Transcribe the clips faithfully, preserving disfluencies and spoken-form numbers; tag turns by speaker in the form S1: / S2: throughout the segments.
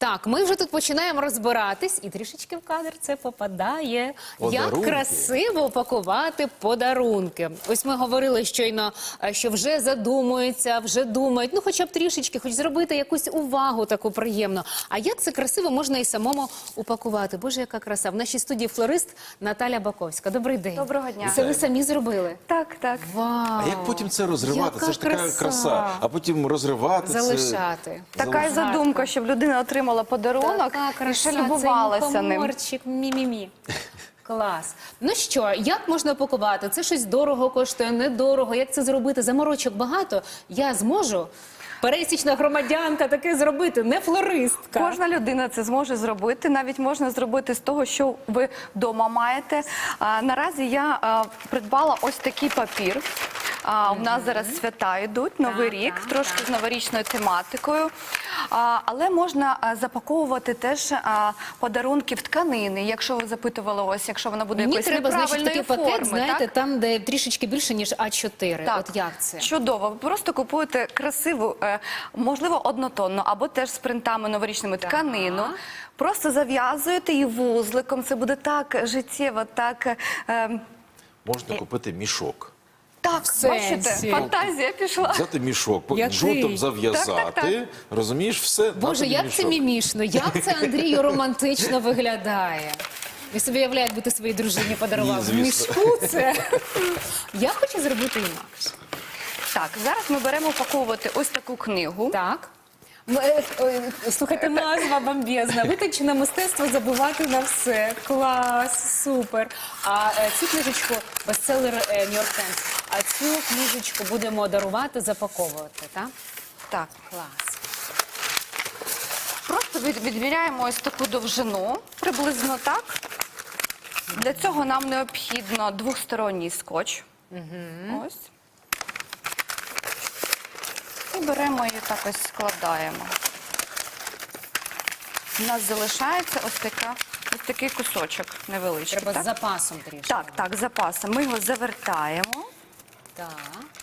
S1: Так, ми вже тут починаємо розбиратись, і трішечки в кадр це попадає.
S2: Подарунки.
S1: Як красиво упакувати подарунки. Ось ми говорили щойно, що вже задумуються, вже думають, ну хоча б трішечки, хоч зробити якусь увагу таку приємну. А як це красиво можна і самому упакувати? Боже, яка краса. В нашій студії флорист Наталя Баковська. Добрий день.
S3: Доброго дня.
S1: Це ви самі зробили?
S3: Так, так.
S1: Вау!
S2: А як потім це розривати?
S1: Яка
S2: Це ж така
S1: краса.
S2: краса. А потім розривати
S1: Залишати.
S2: це...
S3: Така й задумка, щоб людина отримала подарунок і ще любувалася ним.
S1: Мухоморчик, мі-мі-мі. Клас. Ну що, як можна упакувати? Це щось дорого коштує, недорого. Як це зробити? Заморочок багато. Я зможу? Пересічна громадянка таке зробити, не флористка.
S3: Кожна людина це зможе зробити. Навіть можна зробити з того, що ви вдома маєте. А, наразі я а, придбала ось такий папір. А, у нас зараз свята йдуть, Новий
S1: Так,
S3: рік,
S1: так,
S3: трошки
S1: так.
S3: з новорічною тематикою. А, але можна а, запаковувати теж а, подарунки в тканини, якщо ви запитували ось, якщо вона буде
S1: Мені
S3: якоїсь
S1: треба, значить,
S3: неправильної
S1: такий
S3: форми.
S1: пакет, знаєте,
S3: так?
S1: там, де трішечки більше, ніж А чотири.
S3: Так,
S1: От як це?
S3: чудово. Ви просто купуєте красиву, е, можливо, однотонну, або теж з принтами новорічними тканину. Просто зав'язуєте її вузликом. Це буде так життєво, так... Е,
S2: Можна купити мішок.
S3: так,
S1: В
S3: бачите,
S1: сенсі?
S3: фантазія пішла.
S2: Взяти мішок, по-
S1: Який?
S2: жовтом зав'язати,
S3: Так, так, так.
S2: розумієш, все,
S1: Боже,
S2: дати
S1: як
S2: мішок.
S1: це мімішно, як це Андрію романтично виглядає. Ви собі уявляєте, бути своїй дружині подарував
S2: Ні,
S1: в
S2: звісно.
S1: мішку це. Я хочу зробити інакше.
S3: Так, зараз ми беремо упаковувати ось таку книгу.
S1: Так. Ну, е, е, Слухайте, назва бомбезна. Витончене мистецтво забувати на все. Клас, супер. А е, цю книжечку, бестселер е, New York Times, а цю книжечку будемо дарувати, запаковувати, так?
S3: Так.
S1: Клас.
S3: Просто від- відміряємо ось таку довжину, приблизно так. Для цього нам необхідно двосторонній скотч. Ось. І беремо її так ось складаємо. У нас залишається ось, така, ось такий кусочок невеличкий.
S1: Треба
S3: так?
S1: з запасом трішки.
S3: Так, так, з запасом. Ми його завертаємо
S1: Так.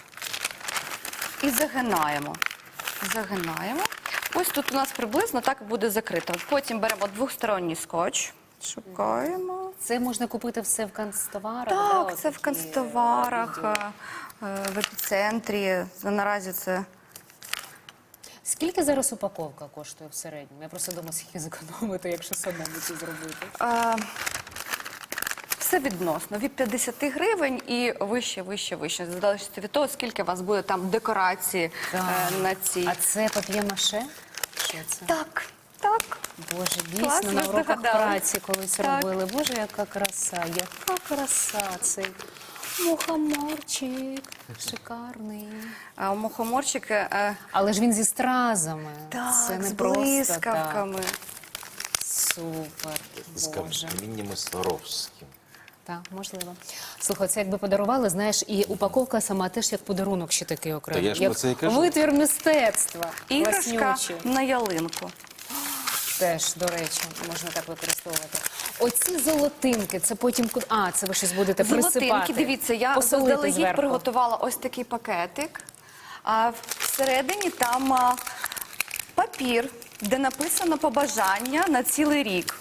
S3: і загинаємо. Загинаємо. Ось тут у нас приблизно так буде закрито. Потім беремо двосторонній скотч. Шукаємо.
S1: Це можна купити все в канцтоварах? да,
S3: Так,
S1: от
S3: це в
S1: такі,
S3: канцтоварах,
S1: е,
S3: е, е, в епіцентрі. Наразі це...
S1: Скільки зараз упаковка коштує в середньому? Я просто думаю, скільки зекономити, якщо самому це зробити.
S3: Е, Все відносно, від п'ятдесят гривень і вище, вище, вище. Залежить від того, скільки у вас буде там декорації
S1: Так.
S3: е, на цій.
S1: А це пап'є-маше? Що це?
S3: Так, так.
S1: Боже, дійсно,
S3: Класно
S1: на уроках
S3: здогадалась.
S1: праці колись
S3: Так.
S1: робили. Боже, яка краса, яка краса цей мухоморчик, шикарний.
S3: А мухоморчики, е,
S1: Але ж він зі стразами.
S3: так,
S1: це не
S3: з
S1: просто
S3: блискавками.
S1: так. Супер,
S2: З
S1: Боже.
S2: каміннями Сваровським.
S1: Так, можливо. Слухай, це якби подарували, знаєш, і упаковка сама теж як подарунок ще такий окремий.
S2: Та я ж
S1: як
S2: про це і кажу.
S1: витвір мистецтва.
S3: Іграшка
S1: Класнючий.
S3: на ялинку.
S1: Теж, до речі, можна так використовувати. Оці золотинки, це потім... ку- А, це ви щось будете присипати.
S3: Золотинки, дивіться, я
S1: посолити
S3: заздалегідь
S1: зверху.
S3: приготувала ось такий пакетик. А всередині там а, папір, де написано побажання на цілий рік.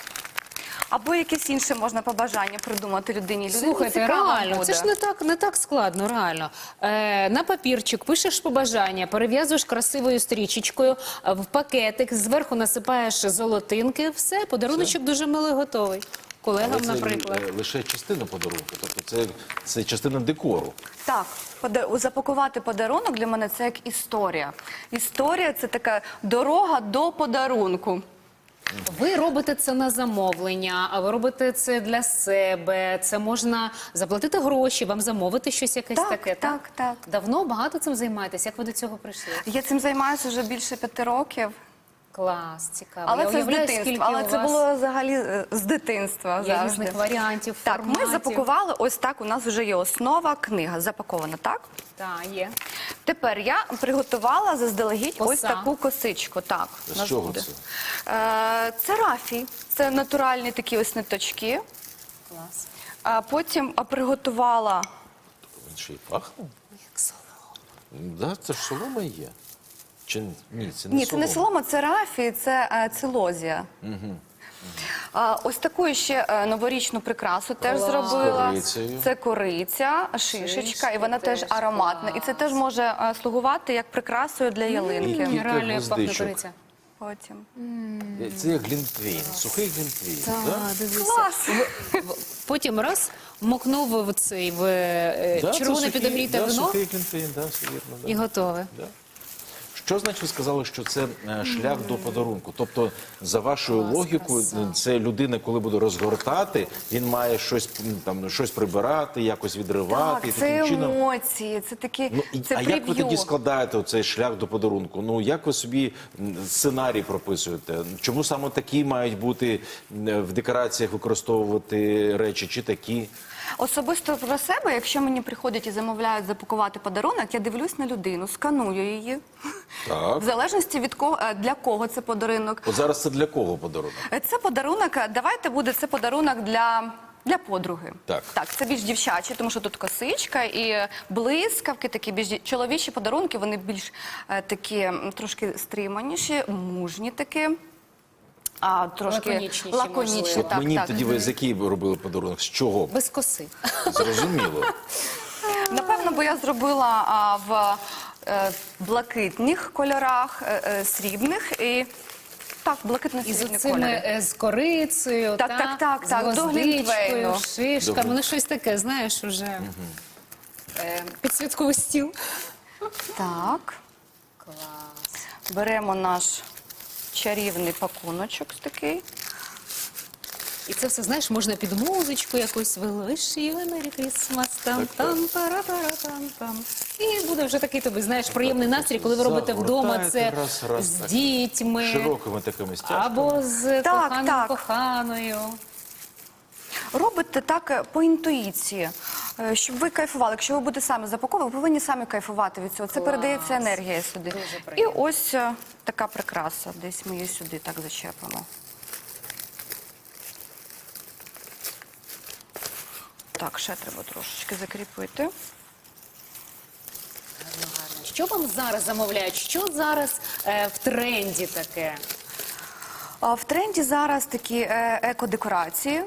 S3: Або якесь інше можна побажання придумати людині. Людині
S1: Слухайте,
S3: цікаво
S1: реально,
S3: буде.
S1: це ж не так, не так складно, реально. Е, на папірчик пишеш побажання, перев'язуєш красивою стрічечкою, е, в пакетик, зверху насипаєш золотинки, все, подаруночок дуже милий готовий. Колегам,
S2: Але це
S1: наприклад.
S2: е, лише частина подарунку, тобто це, це частина декору.
S3: Так, пода- запакувати подарунок для мене це як історія. Історія – це така дорога до подарунку.
S1: Ви робите це на замовлення, а ви робите це для себе, це можна заплатити гроші, вам замовити щось якесь
S3: Так,
S1: таке, так?
S3: так, так.
S1: Давно, багато цим займаєтесь? Як ви до цього прийшли?
S3: Я цим займаюся вже більше п'яти років.
S1: Клас, цікаво.
S3: Але
S1: Я
S3: це з
S1: уявляю,
S3: дитинства.
S1: скільки
S3: Але
S1: у
S3: це
S1: вас
S3: було взагалі е, з дитинства
S1: є
S3: завжди.
S1: різних варіантів,
S3: Так, ми
S1: форматів.
S3: запакували, ось так, у нас вже є основа, книга запакована, так?
S1: Так, є.
S3: Тепер я приготувала заздалегідь
S1: Коса.
S3: ось таку косичку. Так,
S2: З
S3: у нас
S2: чого
S3: буде.
S2: це?
S3: Е, це рафій, це натуральні такі ось ниточки.
S1: Клас.
S3: А потім а, приготувала
S2: Він ще й пахне.
S1: Як солодко.
S2: Да, це ж солома є. Чи ні, це не
S3: Ні, це не
S2: солома.
S3: солома, це рафі, це е, цилозія. А, ось таку ще е, новорічну прикрасу теж
S1: Клас.
S3: зробила.
S2: Корицею.
S3: Це кориця, шишечка,
S1: Шишка
S3: і вона теж
S1: теж
S3: ароматна. І це
S1: клас.
S3: теж може е, слугувати як прикрасою для ялинки.
S2: Кілька
S1: Реально як пахне
S2: гвоздичок.
S1: кориця.
S3: Потім.
S2: Це як глінтвейн, сухий глінтвейн. да?
S1: Так, дивися.
S3: Клас!
S1: Потім раз мокнув в цей в е,
S2: Да, це
S1: червоне
S2: сухий-
S1: підогріте
S2: да,
S1: вино
S2: сухий глінтвейн, да, все вірно. Да.
S1: і готове.
S2: Да. Що значить ви сказали, що це е, шлях до подарунку? Тобто, за вашою
S1: Клас,
S2: логікою,
S1: краса.
S2: це людина, коли буде розгортати, він має щось м, там щось прибирати, якось відривати.
S3: Так,
S2: і
S3: це
S2: таким чином.
S3: емоції, це такі,
S2: Ну, і-
S3: це
S2: а як ви
S3: прев'ю.
S2: тоді складаєте цей шлях до подарунку? Ну як ви собі м, сценарій прописуєте? Чому саме такі мають бути м, в декораціях використовувати речі, чи такі?
S3: Особисто про себе, якщо мені приходять і замовляють запакувати подарунок, я дивлюсь на людину, сканую її.
S2: Так.
S3: В залежності від кого, е, для кого це подарунок.
S2: От зараз це для кого подарунок?
S3: Е, Це подарунок, е, давайте буде це подарунок для, для подруги.
S2: Так.
S3: Так, це більш дівчачі, тому що тут косичка і блискавки, такі більш дів- чоловічі подарунки, вони більш е, такі м, трошки стриманіші, мужні такі. А трошки
S1: Лаконічніші,
S3: лаконічні,
S1: можливо.
S3: так,
S2: Мені
S3: так.
S2: тоді ви з який ви робили подарунок? З чого?
S1: Без коси.
S2: Зрозуміло.
S3: Напевно, бо я зробила а, в е, блакитних кольорах, е, е, срібних і так,
S1: І з
S3: блакитно-срібні
S1: цими
S3: кольори.
S1: е, з корицею,
S3: Так,
S1: та,
S3: так, так,
S1: з
S3: так, до
S1: гвоздичкою,
S3: глінтвейну.
S1: шишками.
S2: Добре.
S1: Ну щось таке, знаєш, уже е, під святковий стіл.
S3: Так,
S1: Клас.
S3: беремо наш чарівний пакуночок такий.
S1: І це все, знаєш, можна під музичку якусь «Wish you a Merry Christmas», там, там, пара-пара, там, там. І буде вже такий тобі, знаєш, приємний настрій, коли ви робите вдома це
S2: Загортаєте раз, раз,
S1: з
S2: так.
S1: дітьми
S2: Широкими такими стяжками.
S1: або з
S3: Так,
S1: коханим,
S3: так.
S1: коханою.
S3: Робите так е, по інтуїції, е, щоб ви кайфували. Якщо ви будете самі запаковувати, ви повинні самі кайфувати від цього. Це
S1: Клас.
S3: передається енергія сюди.
S1: Дуже
S3: І
S1: приємно.
S3: ось е, така прикраса. Десь ми її сюди так зачепимо. Так, ще треба трошечки закріпити.
S1: Що вам зараз замовляють? Що зараз е, в тренді таке?
S3: А в тренді зараз такі е, еко-декорації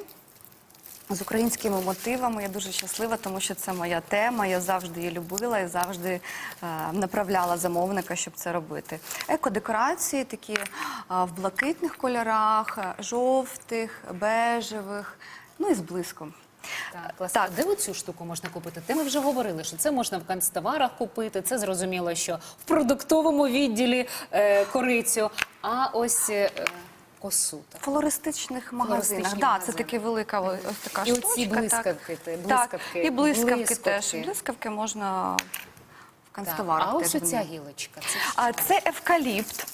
S3: з українськими мотивами. Я дуже щаслива, тому що це моя тема. Я завжди її любила і завжди е, направляла замовника, щоб це робити. Еко-декорації такі е, в блакитних кольорах, е, жовтих, бежевих, ну і з блиском.
S1: Так, клас.
S3: Так.
S1: Де оцю штуку можна купити? Те ми вже говорили, що це можна в канцтоварах купити, це зрозуміло, що в продуктовому відділі е, корицю, а ось е, косу. Так.
S3: В флористичних магазинах.
S1: Флористичні
S3: Да,
S1: магазини.
S3: це таки велика ось така
S1: І
S3: штучка.
S1: оці
S3: так.
S1: блискавки, ти,
S3: Так,
S1: блискавки,
S3: і блискавки,
S1: блискавки.
S3: теж. Блискавки можна в
S1: Так.
S3: канцтоварах.
S1: А ось
S3: теж
S1: оця
S3: вони.
S1: гілочка. Це що?
S3: А це евкаліпт.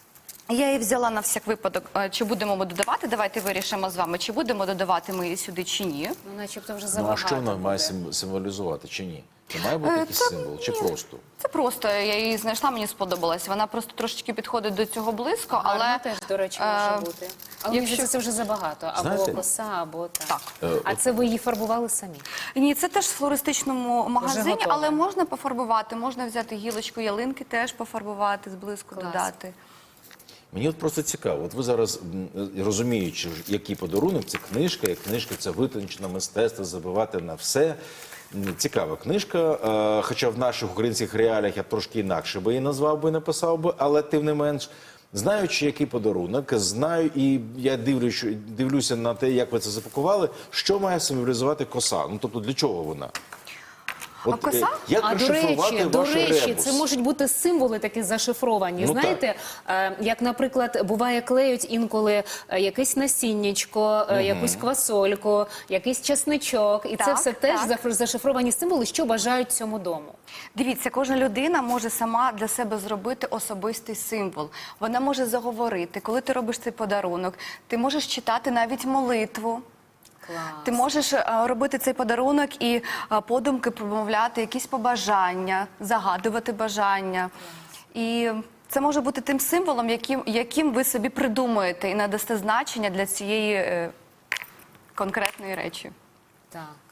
S3: Я її взяла на всяк випадок. Е, Чи будемо ми додавати? Давайте вирішимо з вами, чи будемо додавати ми її сюди, чи ні.
S1: Ну, начебто вже
S2: Ну, а
S1: забагато
S2: що вона
S1: буде.
S2: має сим- символізувати чи ні? Це має бути
S3: Е,
S2: якийсь
S3: це
S2: символ, чи
S3: ні.
S2: просто?
S3: Це просто, я її знайшла, мені сподобалась. Вона просто трошечки підходить до цього близько,
S1: Гарно
S3: але...
S1: теж, до речі,
S3: е,
S1: може бути. Але мені
S3: якщо-
S1: здається, це вже забагато. Або
S2: Знаєте-
S1: коса, або так.
S3: Так.
S2: Е,
S1: А це ви її фарбували самі?
S3: Ні, це теж в флористичному магазині,
S1: готове.
S3: але можна пофарбувати, можна взяти гілочку ялинки, теж пофарбувати, з блиску
S1: Клас.
S3: додати.
S2: Мені от просто цікаво. От ви зараз, м, розуміючи, який подарунок, це книжка, і книжка це витончене мистецтво, забивати на все. М, Цікава книжка, е, хоча в наших українських реаліях я трошки інакше би її назвав би, написав би, але тим не менш, знаючи, який подарунок, знаю, і я дивлюсь, дивлюся на те, як ви це запакували, що має символізувати коса? Ну, тобто, для чого вона? От,
S3: коса?
S2: е, Як
S1: А до
S2: розшифрувати
S1: речі, до
S2: ваш
S1: речі,
S2: ребус?
S1: це можуть бути символи такі зашифровані.
S2: Ну,
S1: Знаєте, е, як, наприклад, буває, клеють інколи е, якесь насіннячко, е, якусь квасольку, якийсь часничок. І це
S3: Так,
S1: все теж
S3: так.
S1: заф- зашифровані символи, що бажають цьому дому.
S3: Дивіться, кожна людина може сама для себе зробити особистий символ. Вона може заговорити. Коли ти робиш цей подарунок, ти можеш читати навіть молитву.
S1: Клас.
S3: Ти можеш е, робити цей подарунок і е, подумки промовляти якісь побажання, загадувати бажання. І це може бути тим символом, яким, яким ви собі придумуєте і надасте значення для цієї е, конкретної речі.
S1: Так.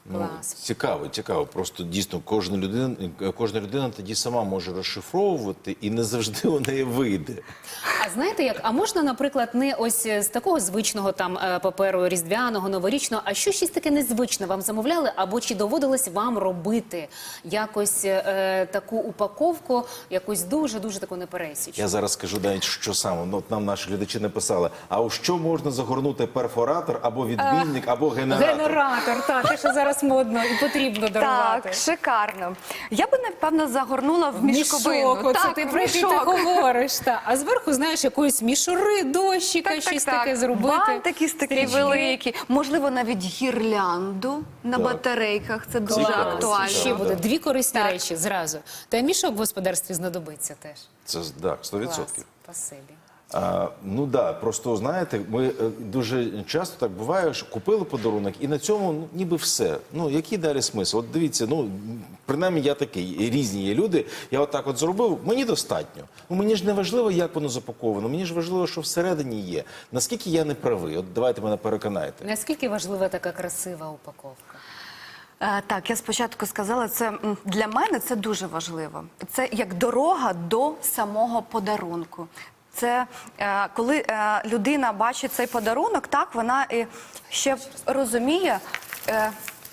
S2: Ну,
S1: Клас.
S2: цікаво, цікаво. Просто дійсно кожна людина, кожна людина тоді сама може розшифровувати, і не завжди у неї вийде.
S1: А знаєте як? А можна, наприклад, не ось з такого звичного там е, паперу різдвяного, новорічного, а що щось таке незвичне вам замовляли, або чи доводилось вам робити якось е, таку упаковку, якусь дуже дуже таку непересічну?
S2: Я зараз скажу навіть, що саме. Ну, от нам наші глядачі написали, а у що можна загорнути перфоратор, або відбійник, або генератор?
S1: Генератор, так, те, що зараз модно і потрібно дарувати.
S3: Так, шикарно. Я би, напевно, загорнула в мішковину.
S1: Мішок, оце
S3: Так,
S1: ти
S3: в
S1: про який ти
S3: мішок.
S1: говориш. Та. А зверху, знаєш, якоїсь мішури, дощика,
S3: Так, так,
S1: щось
S3: так.
S1: таке зробити.
S3: Бантики такі
S1: Стрічки.
S3: великі. Можливо, навіть гірлянду на
S2: Так.
S3: батарейках. Це дуже
S2: Цікаво,
S3: актуально.
S1: Ще
S2: цікаво.
S1: буде дві корисні
S3: Так.
S1: речі зразу. Та й мішок в господарстві знадобиться теж.
S2: Це так, сто
S1: Клас,
S2: відсотків.
S1: спасибі.
S2: А, ну да, просто знаєте, ми е, дуже часто так буває, що купили подарунок, і на цьому ну, ніби все. Ну який далі смисл? От дивіться, ну принаймні я такий, і різні є люди. Я отак от зробив, мені достатньо. Ну мені ж не важливо, як воно запаковано. Мені ж важливо, що всередині є. Наскільки я не правий? От давайте мене переконайте.
S1: Наскільки важлива така красива упаковка?
S3: Е, Так, я спочатку сказала, це м, для мене це дуже важливо. Це як дорога до самого подарунку. Це е, коли е, людина бачить цей подарунок, так вона і ще розуміє, е,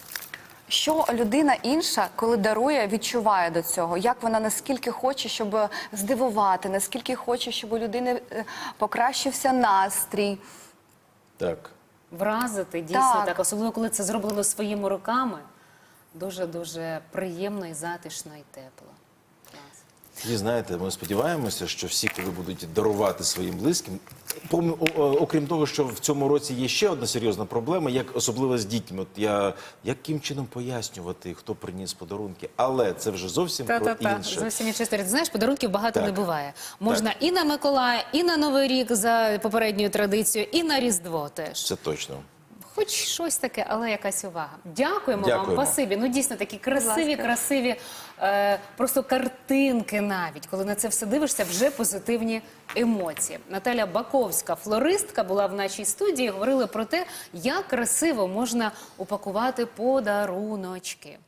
S3: що людина інша, коли дарує, відчуває до цього. Як вона наскільки хоче, щоб здивувати, наскільки хоче, щоб у людини е, покращився настрій.
S2: Так.
S1: Вразити, дійсно так.
S3: Так.
S1: Особливо, коли це зроблено своїми руками. Дуже-дуже приємно і затишно, і тепло. Клас.
S2: І знаєте, ми сподіваємося, що всі, коли будуть дарувати своїм близьким, пом- о- о- окрім того, що в цьому році є ще одна серйозна проблема, як особливо з дітьми. От я яким чином пояснювати, хто приніс подарунки, але це вже зовсім про
S1: Та-та-та,
S2: інше.
S1: зовсім інша історія. Ти знаєш, подарунків багато
S2: Так.
S1: не буває. Можна і на Миколая, і на Новий рік за попередньою традицією, і на Різдво теж.
S2: Це точно.
S1: Хоч щось таке, але якась увага. Дякуємо,
S2: Дякуємо.
S1: вам, спасибі. Ну дійсно такі красиві,
S3: ласка.
S1: красиві е, просто картинки навіть. Коли на це все дивишся, вже позитивні емоції. Наталя Баковська, флористка, була в нашій студії. Говорили про те, як красиво можна упакувати подаруночки.